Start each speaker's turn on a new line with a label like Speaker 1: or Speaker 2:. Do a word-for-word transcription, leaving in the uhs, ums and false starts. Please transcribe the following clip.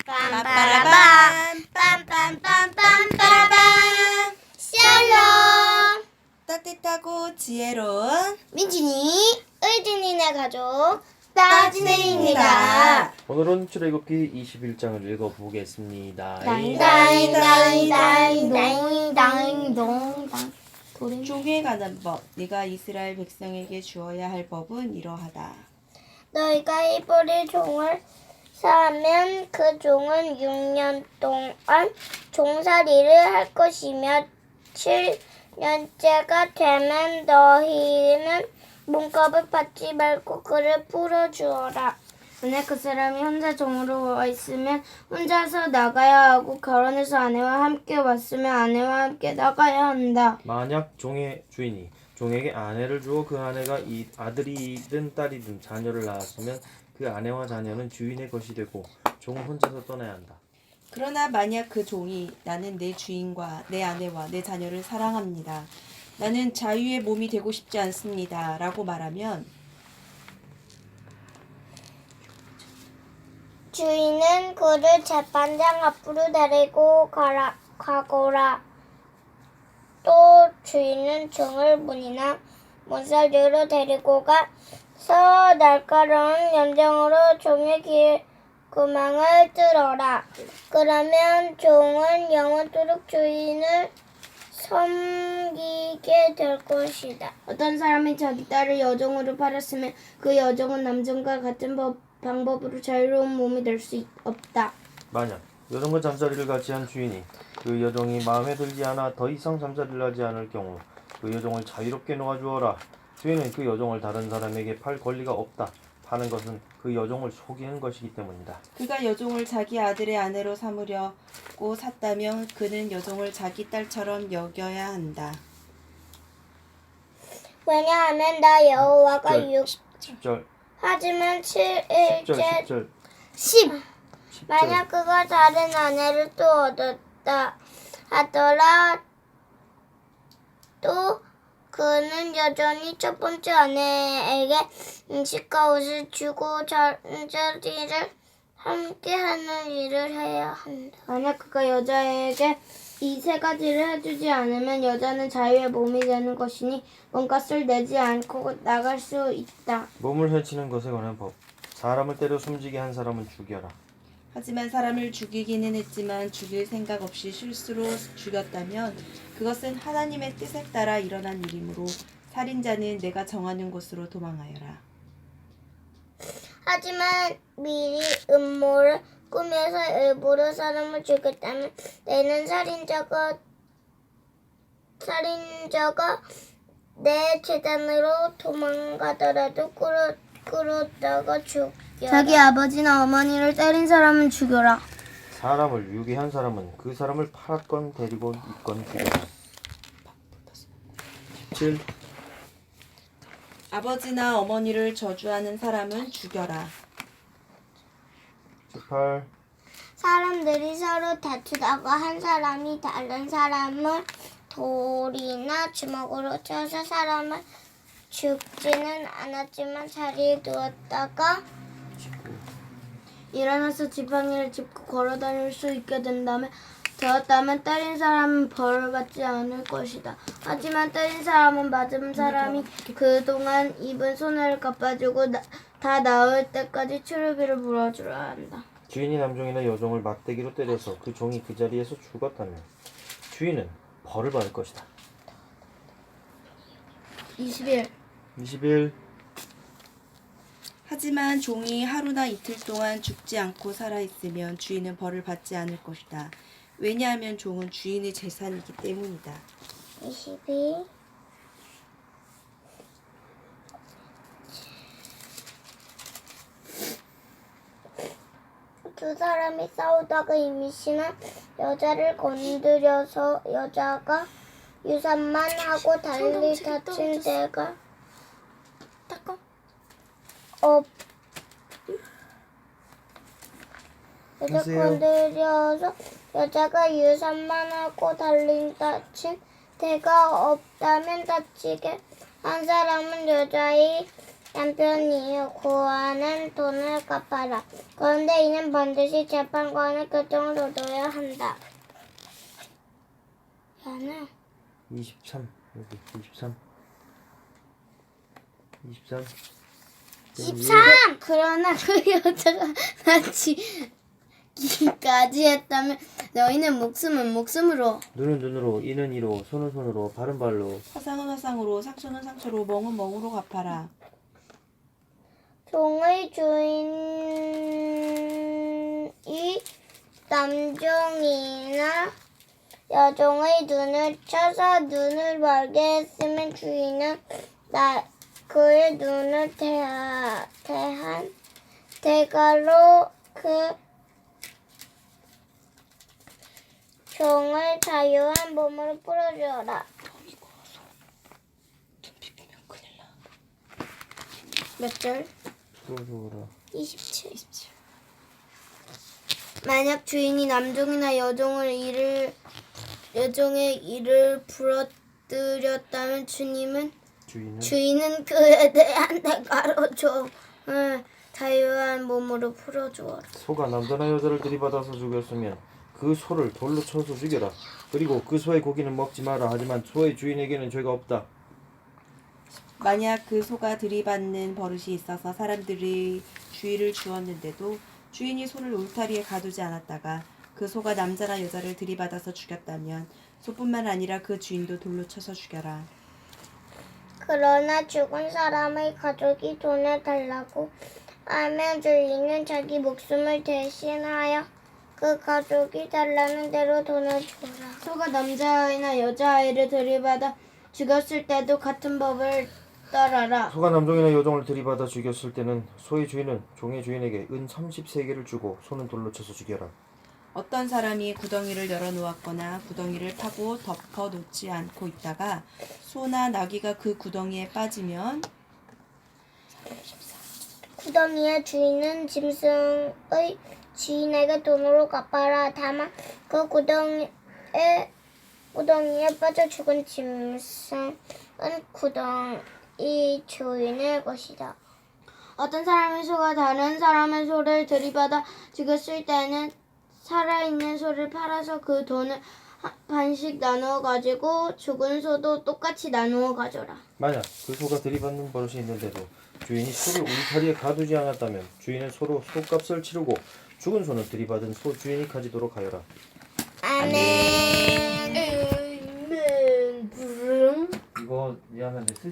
Speaker 1: 빰빠라밤 빰빰빰빰빰빰 샬롬
Speaker 2: 따뜻하고 지혜로운
Speaker 1: 민진이 의진이네 가족 따진이입니다.
Speaker 3: 오늘은 출애굽기 이십일 장을 읽어보겠습니다.
Speaker 1: 다잉다잉다잉다잉다잉다잉
Speaker 2: 종에 관한 법. 네가 이스라엘 백성에게 주어야 할 법은 이러하다.
Speaker 1: 너희가 이브리 종을 사면 그 종은 육 년 동안 종살이를 할 것이며 칠 년째가 되면 너희는 몸값을 받지 말고 그를 풀어주어라. 만약 그 사람이 혼자 종으로 와 있으면 혼자서 나가야 하고 결혼해서 아내와 함께 왔으면 아내와 함께 나가야 한다.
Speaker 3: 만약 종의 주인이 종에게 아내를 주어 그 아내가 이 아들이든 딸이든 자녀를 낳았으면 그 아내와 자녀는 주인의 것이 되고 종은 혼자서 떠나야 한다.
Speaker 2: 그러나 만약 그 종이 나는 내 주인과 내 아내와 내 자녀를 사랑합니다. 나는 자유의 몸이 되고 싶지 않습니다. 라고 말하면
Speaker 1: 주인은 그를 재판장 앞으로 데리고 가라, 가거라. 또 주인은 종을 문이나 문살류로 데리고 가서 날카로운 염정으로 종의 귀 구멍을 뚫어라. 그러면 종은 영원토록 주인을 섬기게 될 것이다. 어떤 사람이 자기 딸을 여종으로 팔았으면 그 여종은 남종과 같은 법, 방법으로 자유로운 몸이 될 수 없다.
Speaker 3: 만약 여종과 잠자리를 같이 한 주인이 그 여종이 마음에 들지 않아 더 이상 잠자리를 하지 않을 경우 그 여종을 자유롭게 놓아주어라. 주인은 그 여종을 다른 사람에게 팔 권리가 없다. 파는 것은 그 여종을 속이는 것이기 때문이다.
Speaker 2: 그가 여종을 자기 아들의 아내로 삼으려고 샀다면 그는 여종을 자기 딸처럼 여겨야 한다.
Speaker 1: 왜냐하면 나 여호와가 육
Speaker 3: 십 절
Speaker 1: 하지만
Speaker 3: 십 절
Speaker 1: 칠일째
Speaker 3: 십 절
Speaker 1: 십
Speaker 3: 십
Speaker 1: 만약 그가 다른 아내를 또 얻었다 하더라 또 그는 여전히 첫 번째 아내에게 음식과 옷을 주고 잠자리를 함께하는 일을 해야 한다. 만약 그가 여자에게 이 세 가지를 해주지 않으면 여자는 자유의 몸이 되는 것이니 몸값을 내지 않고 나갈 수 있다.
Speaker 3: 몸을 해치는 것에 관한 법. 사람을 때려 숨지게 한 사람은 죽여라.
Speaker 2: 하지만 사람을 죽이기는 했지만 죽일 생각 없이 실수로 죽였다면 그것은 하나님의 뜻에 따라 일어난 일이므로 살인자는 내가 정하는 곳으로 도망하여라.
Speaker 1: 하지만 미리 음모를 꾸며서 일부러 사람을 죽였다면 내는 살인자가 살인자가 내 재단으로 도망가더라도 끌어, 끌었다가 죽여. 자기 아버지나 어머니를 때린 사람은 죽여라.
Speaker 3: 사람을 유기한 사람은 그 사람을 팔았건 데리고 있건 죽여라. 십칠
Speaker 2: 아버지나 어머니를 저주하는 사람은 죽여라.
Speaker 3: 십팔
Speaker 1: 사람들이 서로 다투다가 한 사람이 다른 사람을 돌이나 주먹으로 쳐서 사람을 죽지는 않았지만 자리에 누웠다가 일어나서 지팡이를 짚고 걸어다닐 수 있게 된다면 되었다면 때린 사람은 벌을 받지 않을 것이다. 하지만 때린 사람은 맞은 사람이 그동안 입은 손해를 갚아주고 나, 다 나을 때까지 치료비를 물어줘야 한다.
Speaker 3: 주인이 남종이나 여종을 막대기로 때려서 그 종이 그 자리에서 죽었다면 주인은 벌을 받을 것이다.
Speaker 1: 이십일
Speaker 3: 이십일
Speaker 2: 하지만 종이 하루나 이틀 동안 죽지 않고 살아있으면 주인은 벌을 받지 않을 것이다. 왜냐하면 종은 주인의 재산이기 때문이다.
Speaker 1: 이십이 두 사람이 싸우다가 임신한 여자를 건드려서 여자가 유산만 하고 달리 다친 데가 없 여자
Speaker 3: 하세요.
Speaker 1: 건드려서 여자가 유산만 하고 달리 다친 데가 없다면 다치게 한 사람은 여자의 남편이 구하는 돈을 갚아라. 그런데 이는 반드시 재판관의 결정을 얻어야 한다. 야는
Speaker 3: 이십삼 여기 이십삼 이십삼
Speaker 1: 십삼! 그러나 그 여자가 다치기까지 했다면 너희는 목숨은 목숨으로
Speaker 3: 눈은 눈으로 이는 이로 손은 손으로 발은 발로
Speaker 2: 화상은 화상으로 상처는 상처로 멍은 멍으로 갚아라.
Speaker 1: 종의 주인이 남종이나 여종의 눈을 쳐서 눈을 멀게 했으면 주인은 나 그의 눈을 대하, 대한 대가로 그 종을 자유한 몸으로 풀어주어라. 몇 절?
Speaker 3: 풀어주어라.
Speaker 1: 이십칠. 만약 주인이 남종이나 여종을 일을 여종의 일을 부러뜨렸다면 주님은
Speaker 3: 주인은
Speaker 1: 주인은 그에 대한 대가로 종을 자유한 몸으로 풀어주어라.
Speaker 3: 소가 남자나 여자를 들이받아서 죽였으면 그 소를 돌로 쳐서 죽여라. 그리고 그 소의 고기는 먹지 마라. 하지만 소의 주인에게는 죄가 없다.
Speaker 2: 만약 그 소가 들이받는 버릇이 있어서 사람들이 주의를 주었는데도 주인이 소를 울타리에 가두지 않았다가 그 소가 남자나 여자를 들이받아서 죽였다면 소뿐만 아니라 그 주인도 돌로 쳐서 죽여라.
Speaker 1: 그러나 죽은 사람의 가족이 돈을 달라고 하면 주인은 자기 목숨을 대신하여 그 가족이 달라는 대로 돈을 주라. 소가 남자아이나 여자아이를 들이받아 죽였을 때도 같은 법을 따라라.
Speaker 3: 소가 남종이나 여종을 들이받아 죽였을 때는 소의 주인은 종의 주인에게 은 삼십 세겔을 주고 소는 돌로 쳐서 죽여라.
Speaker 2: 어떤 사람이 구덩이를 열어놓았거나 구덩이를 파고 덮어놓지 않고 있다가 소나 나귀가 그 구덩이에 빠지면
Speaker 1: 구덩이의 주인은 짐승의 주인에게 돈으로 갚아라. 다만 그 구덩이에 구덩이에 빠져 죽은 짐승은 구덩이 주인의 것이다. 어떤 사람의 소가 다른 사람의 소를 들이받아 죽였을 때는 살아있는 소를 팔아서 그 돈을 하- 반씩 나누어 가지고 죽은 소도 똑같이 나누어 가져라.
Speaker 3: 만약 그 소가 들이받는 버릇이 있는데도 주인이 소를 울타리에 가두지 않았다면 주인은 소로 소값을 치르고 죽은 소는 들이받은 소 주인이 가지도록 하여라.
Speaker 1: 아멘. 아멘. 부릉.
Speaker 3: 이거 미안한데